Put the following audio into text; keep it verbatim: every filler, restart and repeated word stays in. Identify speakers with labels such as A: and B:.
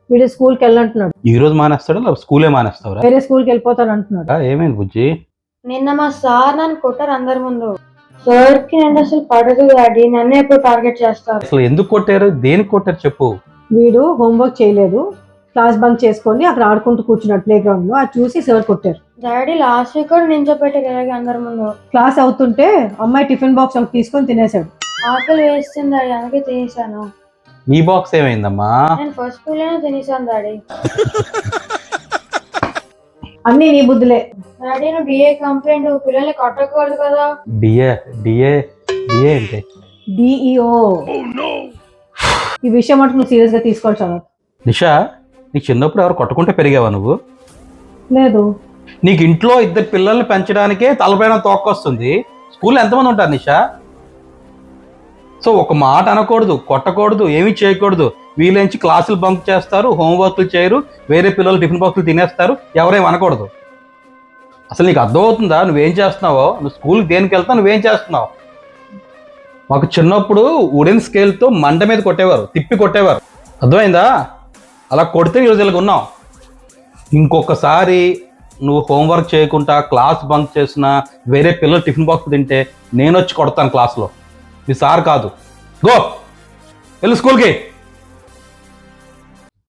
A: వీడు స్కూల్కి వెళ్ళంటున్నాడు.
B: ఈ రోజు మానేస్తాడా స్కూలే మానేస్తావరా?
A: వేరే స్కూల్కి వెళ్ళిపోతాడు అంటున్నాడు.
B: ఏమైంది బుజ్జి?
C: నిన్న మా సార్ నన్ను కొట్టారు అందరి ముందు. సార్ కి నేను అసలు పడదు డాడీ, నన్ను ఎప్పుడు టార్గెట్ చేస్తారు.
B: అసలు ఎందుకు కొట్టారు, దేనికి కొట్టారు చెప్పు.
A: వీడు హోంవర్క్ చేయలేదు, క్లాస్ బంక్ చేసుకొని అక్కడ ఆడుకుంటూ కూర్చున్నాడు ప్లే గ్రౌండ్ లో. అది చూసి సార్ కొట్టారు.
C: డాడీ లాస్ట్ వీక్ కూడా నించోపెట్టారు ఇలాగే అందరి ముందు.
A: క్లాస్ అవుతుంటే అమ్మాయి టిఫిన్ బాక్స్ ఒకటి తీసుకొని తినేసాడు.
C: ఆకలి వేస్తుంది డాడీ, అందుకే తినేసాను.
B: నీ బాక్స్ ఏమైందమ్మా?
C: నేను ఫస్ట్ స్కూల్ లోనే తినేసాను డాడీ.
A: అన్ని నీ బుద్ధులే.
C: డాడీ నువ్వు డిఏ కంప్లైంట్, పిల్లల్ని కొట్టకూడదు కదా.
B: డిఏ డిఏ డిఏ అంటే
A: డిఈఓ. ఈ విషయం మటుకు నువ్వు సీరియస్ గా తీసుకోవాలి చదవ.
B: నిషా, నీకు చిన్నప్పుడు ఎవరు కొట్టుకుంటే పెరిగావా నువ్వు?
A: లేదు.
B: నీకు ఇంట్లో ఇద్దరు పిల్లల్ని పెంచడానికే తలపైన తోక్కొస్తుంది. స్కూల్లో ఎంతమంది ఉంటారు నిషా? సో ఒక మాట అనకూడదు, కొట్టకూడదు, ఏమీ చేయకూడదు. వీళ్ళంచి క్లాసులు బంక్ చేస్తారు, హోంవర్క్లు చేయరు, వేరే పిల్లలు టిఫిన్ బాక్సులు తినేస్తారు, ఎవరేం అనకూడదు. అసలు నీకు అర్థమవుతుందా నువ్వేం చేస్తున్నావో? నువ్వు స్కూల్కి దేనికి వెళ్తావు, నువ్వేం చేస్తున్నావు? మాకు చిన్నప్పుడు వుడెన్ స్కేల్తో మంట మీద కొట్టేవారు, తిప్పి కొట్టేవారు. అర్థమైందా? అలా కొడితే ఈరోజు ఇలాగ ఉన్నావు. ఇంకొకసారి నువ్వు హోంవర్క్ చేయకుండా క్లాస్ బంక్ చేసినా, వేరే పిల్లలు టిఫిన్ బాక్స్ తింటే నేను వచ్చి కొడతాను క్లాస్లో. మీ సార్ కాదు. గో వెళ్ళు స్కూల్కి.